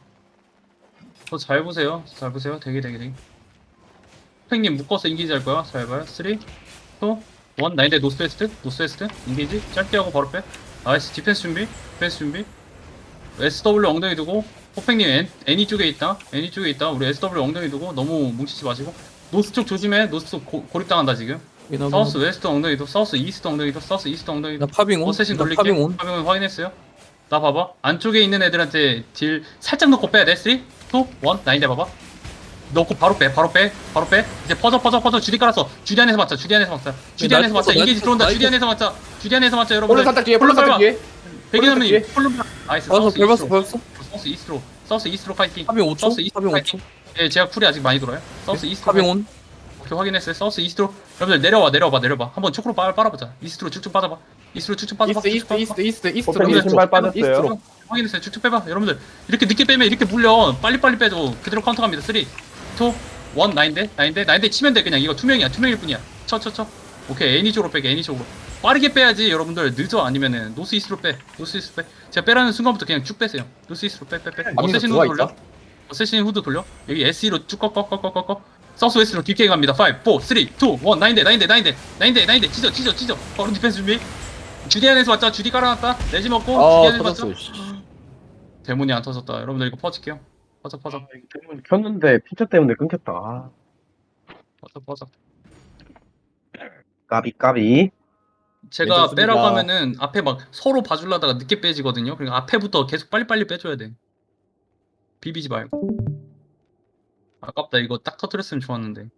Speaker 2: 더 잘 보세요. 잘 보세요. 되게 되게 되게. 팽님 묶어서 인게이지 할 거야. 잘 봐요. 쓰리, 이, 일. 나인데 노스웨스트, 노스웨스트. 인게이지. 짧게 하고 바로 빼. 나이스. 디펜스 준비. 디펜스 준비. 에스더블유 엉덩이 두고. 호팽님 애, 애니 쪽에 있다. 애니 쪽에 있다. 우리 에스더블유 엉덩이 두고 너무 뭉치지 마시고. 노스 쪽 조심해. 노스 쪽 고, 고립당한다 지금.
Speaker 5: 이나
Speaker 2: 사우스 웨스트 엉덩이도. 사우스 이스트 엉덩이도. 사우스 이스트 엉덩이도.
Speaker 5: 나 파빙온.
Speaker 2: 어쌔신
Speaker 5: 나
Speaker 2: 돌릴게.
Speaker 5: 파빙온.
Speaker 2: 파밍온 확인했어요. 나 봐봐. 안쪽에 있는 애들한테 딜 살짝 넣고 빼야 돼. 쓰리, 이, 일. 나인데 봐봐. 넣고 바로 빼. 바로 빼. 바로 빼. 이제 퍼져 퍼져 퍼져. 주디 깔았어. 주디 안에서 맞자. 주디 안에서 맞자. 주디
Speaker 5: 나
Speaker 2: 안에서 맞자.
Speaker 5: 나
Speaker 2: 인게이지 들어온다.
Speaker 5: 나
Speaker 2: 주디 안에서 맞자. 주디 안에서 맞자. 여러분.
Speaker 1: 볼로 살짝 뒤에 볼로 살짝 뒤에.
Speaker 2: 백이나면
Speaker 1: 뒤에.
Speaker 2: 폴름 나이스.
Speaker 5: 밟았어
Speaker 2: 사우스
Speaker 5: 밟았어
Speaker 2: 이스트로.
Speaker 5: 밟았어.
Speaker 2: 사우스 이스트로. 사우스 이스트로 파이팅.
Speaker 5: 파빙 오 초.
Speaker 2: 사우스 이스트로
Speaker 5: 파빙 오
Speaker 2: 파이팅.
Speaker 5: 초.
Speaker 2: 예, 제가 쿨이 아직 많이 돌아요. 사우스 이스트로.
Speaker 5: 파빙온.
Speaker 2: 오케이, 확인했어요. 사우스 이스트로. 여러분들 내려와 내려와 내려봐. 한번 초크로 빨 빨아보자. 이스트로 쭉쭉 빠져봐. 이스트로 쭉쭉 빠져봐.
Speaker 1: 이스트
Speaker 2: 쭉쭉
Speaker 1: 이스트
Speaker 2: 빠져봐.
Speaker 1: 이스트 이스트 이스트.
Speaker 4: 호팽님 신발 빠졌어요.
Speaker 1: 이스트로.
Speaker 2: 확인했어요. 쭉쭉 빼봐. 여러분들 이렇게 늦게 빼면 이렇게 물려. 빨리빨리 빼줘. 그대로 카운터 갑니다. 쓰리, 이, 일. 나인데 나인데 나인데 치면 돼. 그냥 이거 투명이야. 투명일 뿐이야. 쳐 쳐 쳐. 오케이. 애니 쪽으로 빼게. 애니 쪽으로. 빠르게 빼야지. 여러분들 늦어. 아니면은 노스 이스트로 빼. 노스 이스트로 빼. 제가 빼라는 순간부터 그냥 쭉 빼세요. 노스 이스트로 빼 빼 빼.
Speaker 1: 아니,
Speaker 2: 어쌔신
Speaker 1: 들어와
Speaker 2: 후드 돌려.
Speaker 1: 있다.
Speaker 2: 어쌔신 후드 돌려. 여기 에스이로 쭉 꺾꺾꺾꺾꺾. 사우스 웨스트로 깊게 갑니다. 오, 사, 삼, 이, 일. 나인데 나인데 나인데 나인데 나인데 찢어 찢어 찢어. 바로 디펜스 준비. 주디 안에서 왔자. 주디 깔아놨다. 내지 먹고. 주디
Speaker 1: 아
Speaker 2: 안에서 왔자.
Speaker 1: 터졌어. 씨.
Speaker 2: 대문이 안 터졌다. 여러분들 이거 퍼질게요. 퍼져 퍼져
Speaker 4: 대문 켰는데 피처 때문에 끊겼다. 아,
Speaker 2: 퍼져 퍼져.
Speaker 4: 까비 까비.
Speaker 2: 제가
Speaker 1: 괜찮습니다.
Speaker 2: 빼라고 하면은 앞에 막 서로 봐주려다가 늦게 빼지거든요. 그러니까 앞에부터 계속 빨리빨리 빼줘야 돼. 비비지 말고. 아깝다. 이거 딱 터뜨렸으면 좋았는데.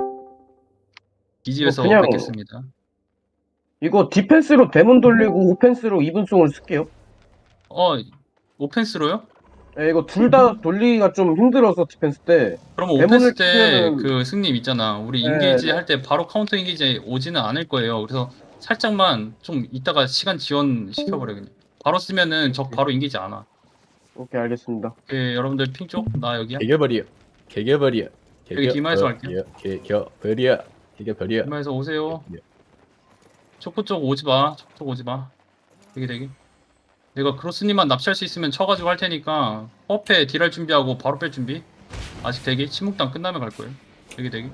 Speaker 2: 이 집에서
Speaker 4: 그냥-
Speaker 2: 뵙겠습니다.
Speaker 4: 이거 디펜스로 대문 돌리고 오펜스로 이분송을 쓸게요.
Speaker 2: 어, 오펜스로요?
Speaker 4: 예, 이거 둘 다 돌리기가 좀 힘들어서 디펜스 때.
Speaker 2: 그러면
Speaker 4: 대문을
Speaker 2: 오펜스 때
Speaker 4: 치면은-
Speaker 2: 그 승님 있잖아. 우리
Speaker 4: 네,
Speaker 2: 인게이지
Speaker 4: 네.
Speaker 2: 할 때 바로 카운터 인게이지 오지는 않을 거예요. 그래서 살짝만 좀 이따가 시간 지연 시켜버려 그냥. 바로 쓰면은 적 바로 인게이지 안 와.
Speaker 4: 오케이 알겠습니다.
Speaker 2: 예, 여러분들 핑 쪽? 나 여기야.
Speaker 1: 개겨버려. 개겨버려.
Speaker 2: 여기 디마에서 할게요.
Speaker 1: 개겨버려. 개겨버려.
Speaker 2: 이마에서 오세요.
Speaker 1: 네.
Speaker 2: 초코 쪽 오지 마. 초코 쪽 오지 마. 되게 되게. 내가 크로스님만 납치할 수 있으면 쳐가지고 할 테니까 퍼페 딜할 준비하고 바로 뺄 준비. 아직 대기. 침묵당 끝나면 갈 거예요. 되게 되게.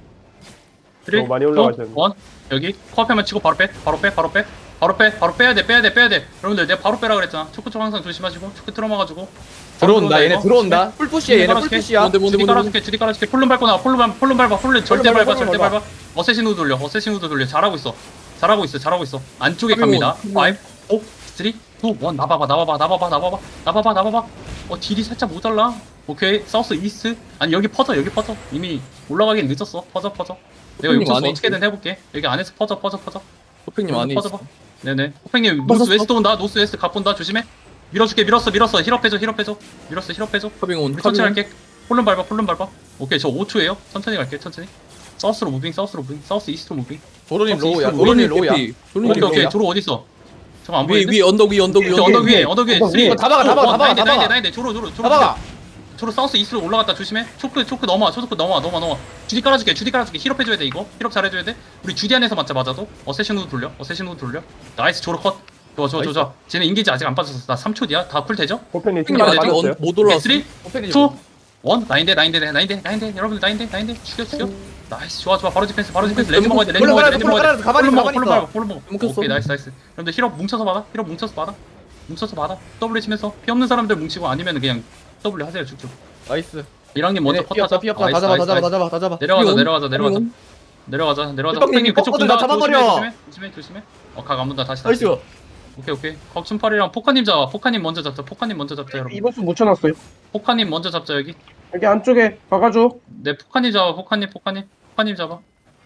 Speaker 6: 너무 많이 올라가셨네.
Speaker 2: 원 여기 커피만 치고 바로 빼. 바로 빼. 바로 빼. 바로 빼. 바로 빼야 돼. 빼야 돼. 빼야 돼. 여러분들 내가 바로 빼라 그랬잖아. 초코 쪽 항상 조심하시고 초코 틀어막아주고.
Speaker 1: 들어온다. 얘네
Speaker 2: 이거.
Speaker 1: 들어온다. 풀푸시야. 얘네
Speaker 2: 깔아줄게.
Speaker 1: 풀푸시야.
Speaker 5: 뭔데 뭔데
Speaker 2: 주디
Speaker 5: 뭔데
Speaker 2: 깔아줄게. 주디 깔아줄게. 폴름 밟고 나와. 폴름 밟 폴름 밟아. 폴름 절대
Speaker 4: 폴름
Speaker 2: 밟아.
Speaker 4: 밟아,
Speaker 2: 절대
Speaker 4: 폴름
Speaker 2: 밟아. 어쌔신 후드 돌려. 어쌔신 후드 돌려. 잘하고 있어. 잘하고 있어. 잘하고 있어. 안쪽에
Speaker 5: 카빙온,
Speaker 2: 갑니다. 오, 삼, 이, 일. 나봐봐. 나봐봐. 나봐봐. 나봐봐. 나봐봐. 나봐봐. 어, 딜이 살짝 모자라. 오케이. 사우스 이스트. 아니, 여기 퍼져. 여기 퍼져. 이미 올라가긴 늦었어. 퍼져, 퍼져. 내가
Speaker 5: 형님
Speaker 2: 욕조수
Speaker 5: 안에
Speaker 2: 어떻게든 해볼게. 여기 안에서 퍼져, 퍼져, 퍼져.
Speaker 5: 호팽님 안에
Speaker 2: 퍼져,
Speaker 5: 있어.
Speaker 2: 퍼져. 네네. 호팽님,
Speaker 5: 맞았어.
Speaker 2: 노스 웨스트 온다. 노스 웨스트 갑 본다. 조심해. 밀어줄게. 밀었어. 밀었어. 힐업 해줘. 힐업 해줘. 밀었어. 힐업 해줘.
Speaker 5: 카빙온
Speaker 2: 우리 천천히
Speaker 5: 카빙온.
Speaker 2: 할게. 폴름 밟아, 폴름 밟아. 오케이, 저 오 초에요. 천천히 갈게, 천천히. 사우스로 무빙, 사우스로 무빙, 사우스 이스트로 무빙.
Speaker 1: 도로님 로우야.
Speaker 2: 조론님
Speaker 1: 도로님 로우야.
Speaker 2: 오케이,
Speaker 5: 돌리님
Speaker 2: 오케이.
Speaker 5: 로우야.
Speaker 2: 조로 어디 있어? 잠깐 안
Speaker 5: 위에
Speaker 2: 보이는데?
Speaker 5: 위에 언덕 위에 언덕 위에
Speaker 2: 오케이, 언덕 위에, 언덕 위에.
Speaker 1: 이거,
Speaker 2: 쓰리,
Speaker 1: 이거 다 박아, 다 박아, 다 박아, 다 박아.
Speaker 2: 나인데, 조로, 조로, 조로.
Speaker 1: 잡아가.
Speaker 2: 조로 사우스 이스트로 올라갔다 조심해. 초크, 초크 넘어와, 초크 넘어와, 넘어와, 넘어와. 주디 깔아줄게, 주디 깔아줄게. 힐업 해줘야 돼 이거. 힐업 잘해줘야 돼. 우리 주디 안에서 맞자, 맞아도. 어세신 후드 돌려, 어세신 후드 돌려. 나이스, 조로 컷. 좋아, 좋아, 좋아, 좋아. 쟤네 인게이지 아직 안 빠졌어. 나 삼 초 뒤야. 다 쿨 되죠?
Speaker 6: 호펜이
Speaker 5: 호팽님
Speaker 6: 신발
Speaker 2: 아직
Speaker 5: 아직
Speaker 6: 맞았어요?
Speaker 5: 언- 못 올라왔어.
Speaker 2: 쓰리,
Speaker 1: 호펜이
Speaker 2: 투, 원. 나인데, 나인데, 나인데, 나인데. 여러분들 나인데, 나인데. 죽여, 죽여. 나이스, 좋아, 좋아. 바로 디펜스, 바로 디펜스. 레드 먹어야 돼, 레드
Speaker 1: 폴로
Speaker 2: 먹어야 돼,
Speaker 1: 깔아줘,
Speaker 2: 레드
Speaker 1: 폴로
Speaker 2: 먹어야 돼.
Speaker 1: 깔아줘. 가만히
Speaker 2: 폴로
Speaker 1: 있어,
Speaker 2: 먹어,
Speaker 1: 가만히
Speaker 2: 폴로
Speaker 1: 있어.
Speaker 2: 먹어, 폴로 먹어.
Speaker 5: 뭉쳤어.
Speaker 2: 오케이, 나이스, 나이스. 여러분들 힐업 뭉쳐서 받아. 힐업 뭉쳐서 받아. 뭉쳐서 받아. W 치면서 피 없는 사람들 뭉치고 아니면 그냥 W 하세요, 쭉쭉.
Speaker 1: 나이스.
Speaker 2: 이랑님 먼저
Speaker 1: 네,
Speaker 2: 컷
Speaker 1: 피었다
Speaker 2: 하자.
Speaker 1: 피었다. 다
Speaker 2: 나이스,
Speaker 1: 잡아 다
Speaker 2: 나이스,
Speaker 1: 잡아 다
Speaker 2: 나이스.
Speaker 1: 잡아 다 잡아.
Speaker 2: 내려가자,
Speaker 5: 카빙온,
Speaker 2: 내려가자, 내려가자.
Speaker 5: 카빙온.
Speaker 2: 내려가자, 내려가자.
Speaker 1: 삐빵님,
Speaker 2: 호팽님 그쪽
Speaker 1: 꺾어도
Speaker 2: 본다.
Speaker 1: 나
Speaker 2: 조심해,
Speaker 1: 잡아버려.
Speaker 2: 조심해, 조심해, 조심해. 어, 각 안 본다. 다시, 다시.
Speaker 1: 나이스.
Speaker 2: 오케이, 오케이. 곽춘팔이랑 포카님 잡아. 포카님 먼저 잡자. 포카님 먼저 잡자, 여러분.
Speaker 4: 이분송 묻혀놨어요.
Speaker 2: 포카님 먼저 잡자, 여기.
Speaker 4: 여기 안쪽에 박아줘.
Speaker 2: 네, 포카님 잡아. 포카님, 포카님. 포카님 잡아.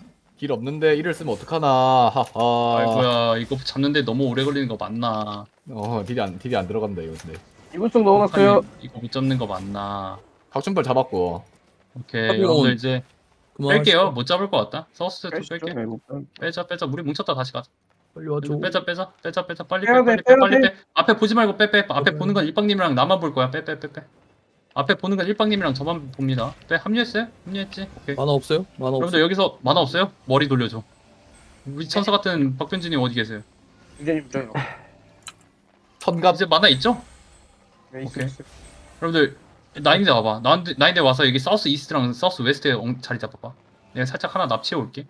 Speaker 1: 길 없는데 이를 쓰면 어떡하나. 하하.
Speaker 2: 아이고야, 이거 잡는데 너무 오래 걸리는 거 맞나?
Speaker 1: 어 딜이 안 딜이 안 들어간다 이거 근데.
Speaker 4: 이분송 넣어놨어요.
Speaker 2: 포카님, 이거 못 잡는 거 맞나?
Speaker 1: 박준발 잡았고.
Speaker 2: 오케이,
Speaker 5: 카빙온.
Speaker 2: 여러분들 이제
Speaker 5: 그만
Speaker 2: 뺄게요. 못 잡을 것 같다. 서스 좀
Speaker 4: 빼시죠.
Speaker 2: 뺄게.
Speaker 4: 네, 뭐,
Speaker 2: 빼자, 빼자. 우리 뭉쳤다 다시 가자.
Speaker 5: 빨리 와줘.
Speaker 2: 빼자, 빼자, 빼자, 빼자. 빨리
Speaker 4: 빼야
Speaker 2: 빼, 빨리
Speaker 4: 돼,
Speaker 2: 빼,
Speaker 4: 빼야
Speaker 2: 빨리
Speaker 4: 돼.
Speaker 2: 빼. 앞에 보지 말고 빼, 빼. 앞에
Speaker 5: 빼.
Speaker 2: 보는 건 일방님이랑 나만 볼 거야. 빼, 빼, 빼, 빼. 앞에 보는 건 일방님이랑 저만 봅니다. 빼, 합류했어요? 합류했지? 오케이.
Speaker 5: 만화 없어요? 만화 없어.
Speaker 2: 여러분들 여기서 만화 없어요? 머리 돌려줘. 우리 천사 같은 박변진님 어디 계세요?
Speaker 4: 유재님 저요.
Speaker 1: 천갑.
Speaker 2: 이제 만화 있죠?
Speaker 4: 네, 있어요,
Speaker 2: 오케이.
Speaker 4: 있어요.
Speaker 2: 여러분들 나인데 와봐. 나인데, 나인데 와서 여기 사우스 이스트랑 사우스 웨스트에 엉- 자리 잡아봐. 내가 살짝 하나 납치해 올게.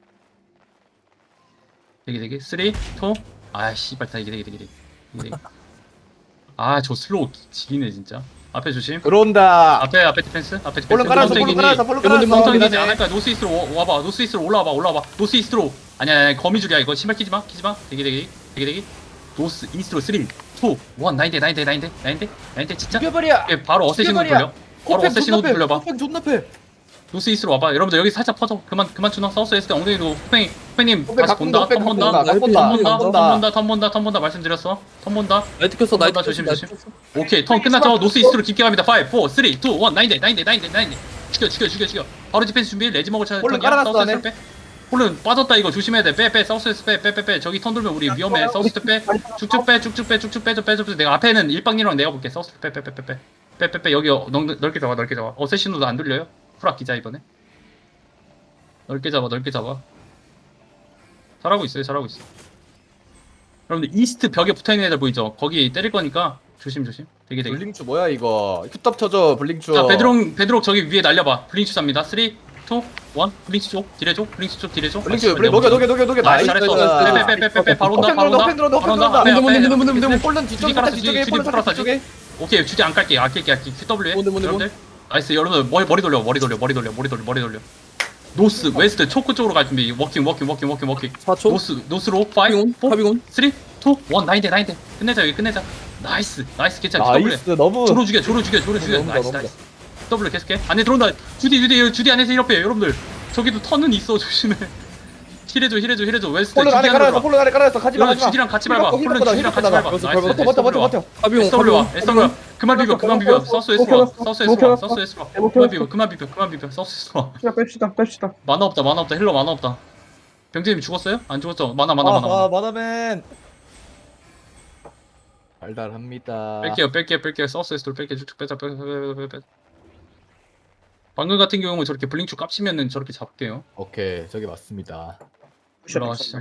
Speaker 2: 되게 되게 쓰리, 투. 아 씨발 다 이게 되게 되게 되게. 되게, 되게. 아저 슬로우 지기네 진짜. 앞에 조심.
Speaker 1: 들어온다.
Speaker 2: 앞에 앞에 디펜스. 앞에 디펜스.
Speaker 1: 폴로 깔아서 폴로 깔아서 폴로 깔아서.
Speaker 2: 펑턴이지 않을까? 노스 이스트로 와- 와봐. 노스 이스트로 올라와봐. 올라와봐. 노스 이스트로. 아니야, 아니야. 거미줄이야 이거. 신발 끼지 마. 끼지 마. 되게 되게 되게 되게. 노스 이스트로 쓰리, 투, 원. 나인데 나인데 나인데 나인데 나인데 진짜.
Speaker 1: 죽여버려.
Speaker 2: 예, 바로 어쌔신 호드 돌려. 바로 어쌔신 호드 돌려봐.
Speaker 1: 호펜 존나 패.
Speaker 2: 노스 이스트로 와봐. 여러분들 여기 살짝 퍼져. 그만 그만 주나. 사우스 웨스트 엉덩이로 후팽이 후팽님
Speaker 1: 호펜
Speaker 2: 다시
Speaker 1: 갖고
Speaker 2: 본다.
Speaker 1: 호펜
Speaker 2: 턴
Speaker 1: 갖고
Speaker 2: 본다.
Speaker 1: 온다.
Speaker 2: 턴
Speaker 1: 본다.
Speaker 2: 본다. 턴
Speaker 1: 본다.
Speaker 2: 본다. 턴 본다. 턴 본다. 말씀드렸어. 턴 본다.
Speaker 5: 나이트 켰어. 나이트 켰어.
Speaker 2: 조심,
Speaker 5: 나이트
Speaker 2: 조심.
Speaker 5: 켰어.
Speaker 2: 오케이. 턴 끝났죠. 노스 이스트로 깊게 갑니다. 오, 삼, 이, 일. 나인데 나인데 나인데 나인데. 죽여 죽여 죽여 죽여. 바로 디펜스 준비. 레지 먹을 차례.
Speaker 1: 홀로
Speaker 2: 턴이야.
Speaker 1: 깔아놨어,
Speaker 2: 사우스
Speaker 1: 안에.
Speaker 2: 웨스트 빼. 홀은 빠졌다 이거 조심해야 돼. 빼 빼. 사우스 웨스트 빼 빼 빼 빼. 저기 턴 돌면 우리 위험해. 사우스 웨스트 빼. 쭉쭉 빼 쭉쭉 빼 쭉쭉 빼줘 빼줘 빼줘. 내가 앞에는 일방님이랑 내가 볼게. 사우스 빼 빼 빼 빼 빼. 빼 빼 빼. 여기 어, 넓, 넓게 잡아 넓게 잡아. 어쌔신으로 안 돌려요? 풀 아끼자 이번에. 넓게 잡아 넓게 잡아. 잘하고 있어요 잘하고 있어. 여러분들 이스트 벽에 붙어있는 애들 보이죠? 거기 때릴 거니까 조심 조심. 되게 되게.
Speaker 1: 블링추 뭐야 이거? 큐탑 쳐줘 블링추.
Speaker 2: 자 베드록 베드록 저기 위에 날려봐. 블링추 잡니다. 삼, 이, 일. 블링추 쪽 딜해줘. 블링추 쪽 딜해줘.
Speaker 1: 블링추 블링 녹여 녹여 녹여 녹여.
Speaker 2: 나이스 잘했어. 빼빼빼빼빼 바로 온다
Speaker 1: 호펜
Speaker 2: 바로
Speaker 1: 들어온다
Speaker 2: 온다.
Speaker 1: 호펜 들어온다
Speaker 2: 바로
Speaker 1: 호펜
Speaker 2: 온다.
Speaker 1: 들어온다.
Speaker 2: 앞에
Speaker 1: 문드 문드
Speaker 2: 앞에.
Speaker 1: 문드 문드 문드
Speaker 2: 디펜스.
Speaker 1: 폴런
Speaker 2: 주디
Speaker 1: 뒤쪽에
Speaker 2: 깔았어,
Speaker 1: 뒤쪽에
Speaker 2: 주디
Speaker 1: 폴런
Speaker 2: 깔았어,
Speaker 1: 뒤쪽에.
Speaker 2: 오케이 주디 안 깔게 아낄게 아낄게. 더블유
Speaker 5: 뭔데, 뭔데,
Speaker 2: 여러분들 나이스. 여러분들 머리 머리 돌려 머리 돌려 머리 돌려 머리 돌려 머리 돌려. 노스 웨스트 초크 쪽으로 갈 준비. 워킹 워킹 워킹 워킹 워킹.
Speaker 5: 사 초.
Speaker 2: 노스 노스로 오,
Speaker 5: 카빙온.
Speaker 2: 사,
Speaker 5: 카빙온.
Speaker 2: 삼, 이, 일 나인데 나인데 끝내자 여기 끝내자. 나이스 나이스 괜찮아. 더블
Speaker 1: 나이스 너무
Speaker 2: 조로 죽여 조로 죽여 조로 죽여.
Speaker 1: 너무다,
Speaker 2: 나이스
Speaker 1: 너무다.
Speaker 2: 나이스. 더블 계속해. 안에 들어온다. 주디 주디 주디 안에서 이렇게 여러분들. 저기도 턴은 있어 조심해. 힐해줘 힐해줘 힐해줘. 웨스트
Speaker 4: 폴른 안에
Speaker 2: 주디 안으로
Speaker 4: 깔아놨어
Speaker 2: 들어와.
Speaker 4: 폴른 안에 깔아놨어 가지마
Speaker 2: 여러분
Speaker 4: 가지마
Speaker 2: 주디랑 같이 밟아.
Speaker 4: 힐
Speaker 2: 폴른
Speaker 4: 받고,
Speaker 2: 주디랑
Speaker 4: 힐
Speaker 2: 같이
Speaker 4: 받고,
Speaker 2: 밟아.
Speaker 5: 버텨,
Speaker 2: 나이스.
Speaker 5: 버텨,
Speaker 4: 버텨 버텨 버텨 버텨
Speaker 5: 카빙온.
Speaker 2: 에스더블 와
Speaker 5: 카빙온.
Speaker 2: 에스더블 그만 비벼 그만 비벼 서스 에스 와 서스 에스 와 서스 에스 와 그만 비벼 그만 비벼 그만 비벼 서스 에스 와
Speaker 4: 뺍시다 뺍시다 뺍시다
Speaker 2: 만화 없다 만화 없다 힐러 만화 없다. 병재님 죽었어요? 안 죽었죠? 만화 만화 만화
Speaker 1: 아,
Speaker 2: 만화.
Speaker 1: 마다맨 달달합니다.
Speaker 2: 뺄게요 뺄게요 뺄게요 서스 에스 돌 뺄게요 쭉쭉 빼자 빼자 빼자 빼자 빼자. 방금 같은 경우는 저렇게 블링축 깝치면은 저렇게 잡게요.
Speaker 1: 오케이 저기 맞습니다.
Speaker 2: 올라가시죠.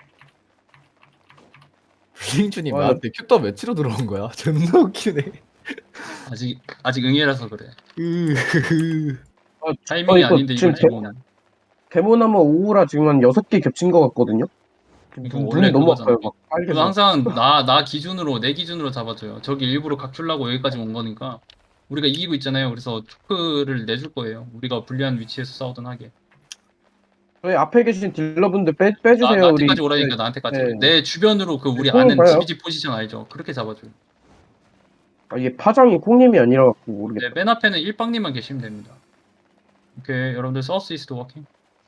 Speaker 1: 블링주님
Speaker 4: 와,
Speaker 1: 나한테 큐터 매치로 들어온 거야? 존나 웃기네.
Speaker 2: 아직 아직 응애라서 그래.
Speaker 1: 으흐흐.
Speaker 2: 타이밍이
Speaker 4: 이거
Speaker 2: 아닌데
Speaker 4: 지금
Speaker 2: 이거 지금
Speaker 4: 데모나무 오우라 지금 한 여섯 개 겹친 거 같거든요
Speaker 2: 이거
Speaker 4: 눈이
Speaker 2: 원래
Speaker 4: 너무
Speaker 2: 그거잖아.
Speaker 4: 아파요 막 빨개
Speaker 2: 그래서 항상 나 나 기준으로 내 기준으로 잡아줘요. 저기 일부러 각출라고 여기까지 온 거니까 우리가 이기고 있잖아요. 그래서 초크를 내줄 거예요. 우리가 불리한 위치에서 싸우든 하게.
Speaker 4: 저희 앞에 계신 딜러분들 빼,
Speaker 2: 나,
Speaker 4: 빼주세요 우리
Speaker 2: 나한테까지 오라니까
Speaker 4: 네.
Speaker 2: 나한테까지.
Speaker 4: 네.
Speaker 2: 내 주변으로 그 우리
Speaker 4: 네,
Speaker 2: 아는
Speaker 4: 봐요.
Speaker 2: 지비지 포지션 알죠? 그렇게 잡아줘요.
Speaker 4: 아, 이게 파장이 콩님이 아니라 갖고 모르겠다
Speaker 2: 네, 맨 앞에는 일빵님만 계시면 됩니다. 오케이, 여러분들 서스 이스트 워킹.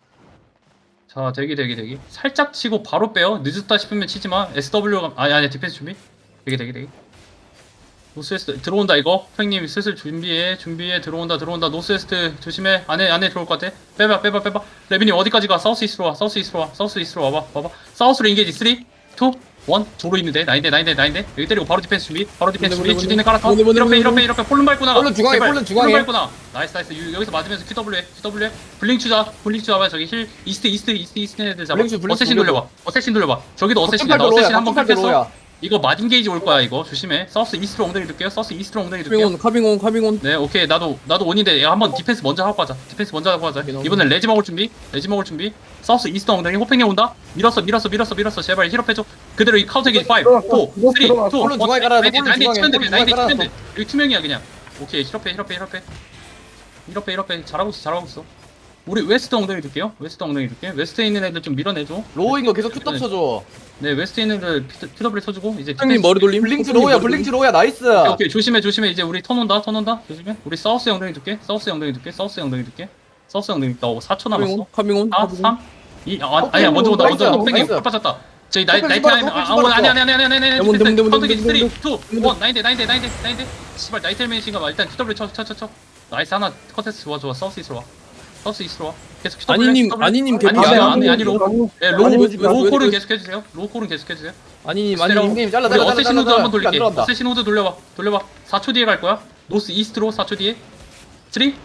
Speaker 2: 자, 대기 대기 대기. 살짝 치고 바로 빼요. 늦었다 싶으면 치지 마. 에스더블유 아니 아니 디펜스 준비. 대기 대기 대기. 노스웨스트 들어온다 이거. 형님 슬슬 준비해 준비해 들어온다 들어온다. 노스웨스트 조심해. 안에 안에 들어올 것 같아. 빼봐 빼봐 빼봐. 레빈이 어디까지 가? 사우스 이스트로 와. 사우스 이스트로 와. 사우스 이스트로 와봐 와봐. 사우스로 인게이지 삼, 이, 일 조로 있는데 나인데 나인데 나인데 여기 때리고 바로 디펜스 준비. 바로 디펜스 준비.
Speaker 5: 뭔데,
Speaker 2: 주디는 깔았어.
Speaker 5: 뭔데, 뭔데,
Speaker 2: 이렇게
Speaker 5: 뭔데,
Speaker 2: 이렇게 이렇게 폴른 밟구나.
Speaker 1: 폴른 중앙에, 폴른 중앙에.
Speaker 2: 폴른 밟구나. 나이스 나이스. 유- 여기서 맞으면서 큐더블유에 큐더블유에 블링 추자 블링 추자 봐. 저기 힐 이스트 이스트 이스트 이스트 애들 잡아.
Speaker 1: 블링 추, 블링
Speaker 2: 어쌔신
Speaker 1: 추
Speaker 2: 돌려봐. 어쌔신 돌려봐. 저기도 어쌔신이야. 나
Speaker 1: 거점팔
Speaker 2: 어쌔신
Speaker 1: 로야,
Speaker 2: 한번
Speaker 1: 거점팔
Speaker 2: 깎였어.
Speaker 1: 로야.
Speaker 2: 이거 마딘 게이지 올 거야 이거 조심해. 서스 이스트로 엉덩이 둘게요. 서스 이스트로 엉덩이 둘게요.
Speaker 5: 카빙온. 카빙온. 카빙온.
Speaker 2: 네 오케이 나도 나도 원인데 야, 한번 디펜스 먼저 하고 가자. 디펜스 먼저 하고 가자.
Speaker 5: 오케이,
Speaker 2: 이번엔 레지 먹을 준비. 레지 먹을 준비. 서스 이스트 엉덩이 호팽이 온다. 밀었어 밀었어 밀었어 밀었어. 제발 힐업 해줘. 그대로 이 카운터 게이지 오, 사, 삼, 이, 일,
Speaker 1: 폴른 중앙에 깔아놨어,
Speaker 2: 나인데
Speaker 1: 폴른
Speaker 2: 나인데
Speaker 1: 중앙에,
Speaker 2: 치면 돼.
Speaker 1: 폴른
Speaker 2: 나인데
Speaker 1: 중앙에
Speaker 2: 치면 돼. 여기 투명이야 그냥. 오케이 힐업해 힐업해 힐업해. 힐업해 힐업해. 잘하고 있어 잘하고 있어. 우리 웨스트 엉덩이 둘게요. 웨스트 엉덩이 둘게. 웨스트에 있는 애들 좀 밀어내줘.
Speaker 1: 로우인 거 계속 큐터 쳐줘.
Speaker 2: 네 웨스트에 있는 애들 큐더블 쳐주고 이제
Speaker 5: 형님 머리 돌림.
Speaker 1: 블링주
Speaker 5: 형님
Speaker 1: 로우야
Speaker 5: 머리 돌림.
Speaker 1: 블링주 로우야 나이스.
Speaker 2: 오케이, 오케이 조심해 조심해. 이제 우리 턴 온다 턴 온다 조심해. 우리 사우스 엉덩이 둘게. 사우스 엉덩이 둘게. 사우스 엉덩이 둘게. 사우스 엉덩이 나 사 초 남았어.
Speaker 5: 카빙온. 카빙온.
Speaker 2: 사, 삼, 이, 아, 아니야 먼저 온다 먼저 온다.
Speaker 1: 나이스,
Speaker 2: 땡땡
Speaker 1: 나이스.
Speaker 2: 빠졌다. 저희 나이
Speaker 1: 호펜
Speaker 2: 나이트
Speaker 1: 씹어놨어,
Speaker 2: 아니
Speaker 1: 호펜
Speaker 2: 아 아니 아니 아니 아니 아니 아니
Speaker 5: 뭔데, 뭔데, 뭔데,
Speaker 2: 컨트기
Speaker 5: 뭔데,
Speaker 2: 삼, 이, 일 나인데 나인데 나인데 나인데 씨발 나이트 헬멧인가 봐. 일단 큐더블 쳐쳐쳐쳐 나이스 하나 컨테스트 좋아 좋아. 사우스 이스로 와. 사우스 이스로 와. 계속 큐더블
Speaker 5: 아니님, 아니님
Speaker 2: 아니
Speaker 5: 개피.
Speaker 2: 아니
Speaker 5: 아니,
Speaker 2: 아니 아니 로 예, 로우
Speaker 5: 아니, 왜, 왜,
Speaker 2: 로우
Speaker 5: 왜,
Speaker 2: 콜은
Speaker 5: 왜,
Speaker 2: 계속 해주세요. 로우 콜은 계속 해주세요.
Speaker 5: 아니님.
Speaker 2: 스테라오.
Speaker 5: 아니님.
Speaker 1: 형님 잘라
Speaker 2: 우리
Speaker 1: 잘라 잘라
Speaker 2: 어쌔신
Speaker 1: 잘라
Speaker 2: 후드
Speaker 1: 잘라.
Speaker 2: 한번
Speaker 1: 그게 안
Speaker 2: 돌릴게.
Speaker 1: 들어간다.
Speaker 2: 어쌔신 후드 돌려봐. 돌려봐. 사 초 뒤에 갈 거야. 노스 이스트로 사 초 뒤에. 삼, 이, 일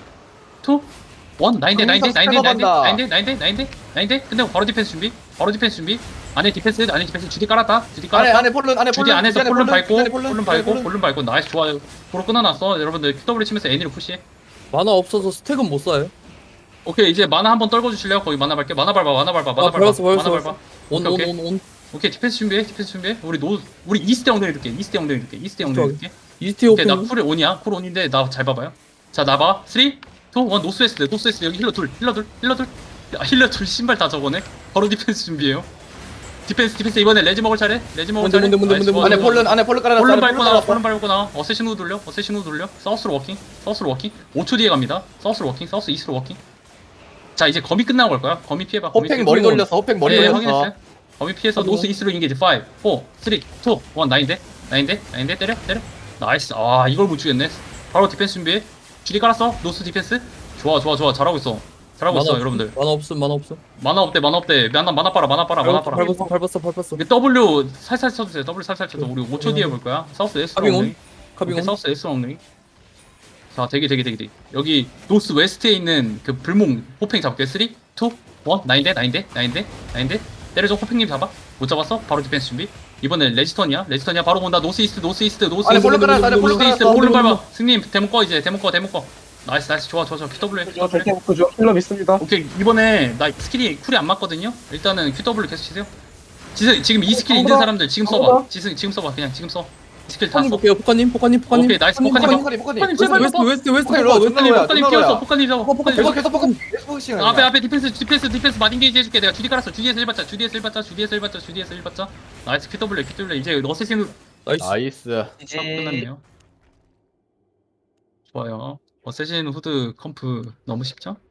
Speaker 2: 나인데 나인데 나인데 나인데 나인데 나인데 나인데 나인데 끝내고 바로 디펜스 준비. 바로 디펜스 준비. 안에 디펜스 안에 디펜스 주디 깔았다. 주디
Speaker 1: 안에
Speaker 2: 깔았다.
Speaker 1: 안에 폴른 안에
Speaker 2: 주디
Speaker 1: 폴른
Speaker 2: 안에서
Speaker 1: 안에
Speaker 2: 폴른 밟고
Speaker 1: 안에
Speaker 2: 폴른
Speaker 1: 안에
Speaker 2: 밟고 폴른 밟고 나이스 좋아요. 도로 끊어놨어. 여러분들 큐더블 치면서 애니로 푸시해.
Speaker 5: 만화 없어서 스택은 못 쏴요.
Speaker 2: 오케이 이제 만화 한번 떨궈 주실래요? 거기 만화 밟게. 만화 밟아. 만화 밟아. 만화
Speaker 5: 아,
Speaker 2: 밟아.
Speaker 5: 밟았어,
Speaker 2: 만화
Speaker 5: 밟았어,
Speaker 2: 밟아.
Speaker 5: 온,
Speaker 2: 오케이,
Speaker 5: 온, 온, 온.
Speaker 2: 오케이 디펜스 준비해. 디펜스 준비해. 우리 노 우리 이스트 엉덩이 둘게. 이스트 엉덩이 둘게. 이스트 엉덩이 둘게.
Speaker 5: 이스트
Speaker 2: 오케이 나
Speaker 5: 오픈.
Speaker 2: 쿨 온이야. 쿨 온인데 나 잘 봐봐요. 자 나봐. 삼, 이, 일 노스웨스트 노스웨스트 여기 힐러 둘 힐러 둘 힐러 둘 아, 힐러 둘 신발 다 저거네. 바로 디펜스 준비해요. 디펜스 디펜스 이번에 레지 먹을 차례. 레지 먹을
Speaker 5: 뭔데,
Speaker 2: 차례.
Speaker 5: 뭔데, 뭔데,
Speaker 2: 나이스,
Speaker 5: 뭔데,
Speaker 1: 안에
Speaker 2: 좋아, 좋아.
Speaker 1: 폴른 안에 폴른 깔아놨어.
Speaker 2: 폴른
Speaker 1: 안에
Speaker 2: 밟고 나
Speaker 1: 깔아놨어.
Speaker 2: 폴른 밟고 나 어쌔신 후 돌려. 어쌔신 후 돌려. 사우스로 워킹. 사우스로 워킹. 오 초 뒤에 갑니다. 사우스로 워킹. 사우스 이스트로 워킹. 자 이제 거미 끝나고 갈 거야. 거미 피해봐. 거미
Speaker 1: 호팽
Speaker 2: 피해.
Speaker 1: 머리 돌렸어. 호팽 머리
Speaker 2: 예,
Speaker 1: 돌렸어.
Speaker 2: 확인했어요. 거미 피해서
Speaker 5: 하고.
Speaker 2: 노스 이스트로 인게이지 오, 사, 삼, 이, 일 나인데 나인데 나인데 때려 때려. 나이스. 아 이걸 못 죽였네. 바로 디펜스 준비해. 줄이 깔았어. 노스 디펜스. 좋아 좋아 좋아 잘하고 있어. 잘하고 있어
Speaker 5: 만화
Speaker 2: 여러분들.
Speaker 5: 만화 없음. 만화 없음.
Speaker 2: 만화 없대 만화 없대. 만화 만화 빨아 만화 빨아 만화 빨아.
Speaker 5: 밟았어. 밟았어. 밟았어.
Speaker 2: 이게 W 살살 쳐주세요. W 살살 쳐서 우리 오 초 뒤에 볼 거야. 사우스 S
Speaker 5: 카빙온.
Speaker 2: 엉덩이. 오케이,
Speaker 5: 카빙온.
Speaker 2: 사우스 S 엉덩이. 자 대기 대기 대기 대기. 여기 노스 웨스트에 있는 그 불몽 호팽 잡게. 삼, 이, 일 나인데 나인데 나인데 나인데 때려줘. 호팽님 잡아. 못 잡았어? 바로 디펜스 준비. 이번엔 레지턴이야. 레지턴이야. 바로 온다. 노스 이스트 노스 이스트 노스
Speaker 1: 안에
Speaker 2: 이스트
Speaker 1: 폴른 깔아놨어. 안에 폴른
Speaker 2: 노스 이스트
Speaker 1: 깔아놨어.
Speaker 2: 폴른 밟아. 승님 데모 꺼 이제 데모 꺼 데모 꺼. 나이스 나이스 좋아 좋아 좋아. 큐더블유
Speaker 4: 저 절대 못 보죠 힐러 믿습니다
Speaker 2: 오케이 이번에 나 스킬이 쿨이 안 맞거든요. 일단은 큐더블유 계속 치세요. 지금 지금 이 스킬 있는
Speaker 4: 아무나,
Speaker 2: 사람들 지금 써봐.
Speaker 4: 아무나.
Speaker 2: 지금 지금 써봐. 그냥 지금 써. 스킬 다
Speaker 5: 포카님
Speaker 2: 써.
Speaker 5: 볼게요. 포카님, 포카님, 포카님.
Speaker 2: 오케이, 나이스. 포카님,
Speaker 1: 포카님 포카님
Speaker 2: 포카님
Speaker 1: 포카님
Speaker 2: 제발
Speaker 5: 웨스트,
Speaker 2: 봐.
Speaker 5: 웨스트, 웨스트,
Speaker 1: 포카님
Speaker 5: 포카,
Speaker 1: 일로
Speaker 5: 웨스트.
Speaker 1: 존나
Speaker 2: 포카님
Speaker 1: 뭐야,
Speaker 2: 뛰었어.
Speaker 1: 존나
Speaker 2: 포카님 잡아. 포카님
Speaker 1: 계속
Speaker 2: 잡아.
Speaker 1: 계속 포카님 계속 포커싱
Speaker 2: 앞에 앞에 디펜스 디펜스 디펜스 마딘게이지 해줄게. 내가 주디 깔았어. 주디에서 일 받자. 주디에서 일 받자. 주디에서 일 받자. 주디에서 일 받자. 나이스. 큐더블레 큐더블레 이제 어쌔신
Speaker 5: 나이스.
Speaker 1: 나이스
Speaker 2: 수업 끝났네요. 좋아요. 어쌔신 후드 컴프 너무 쉽죠?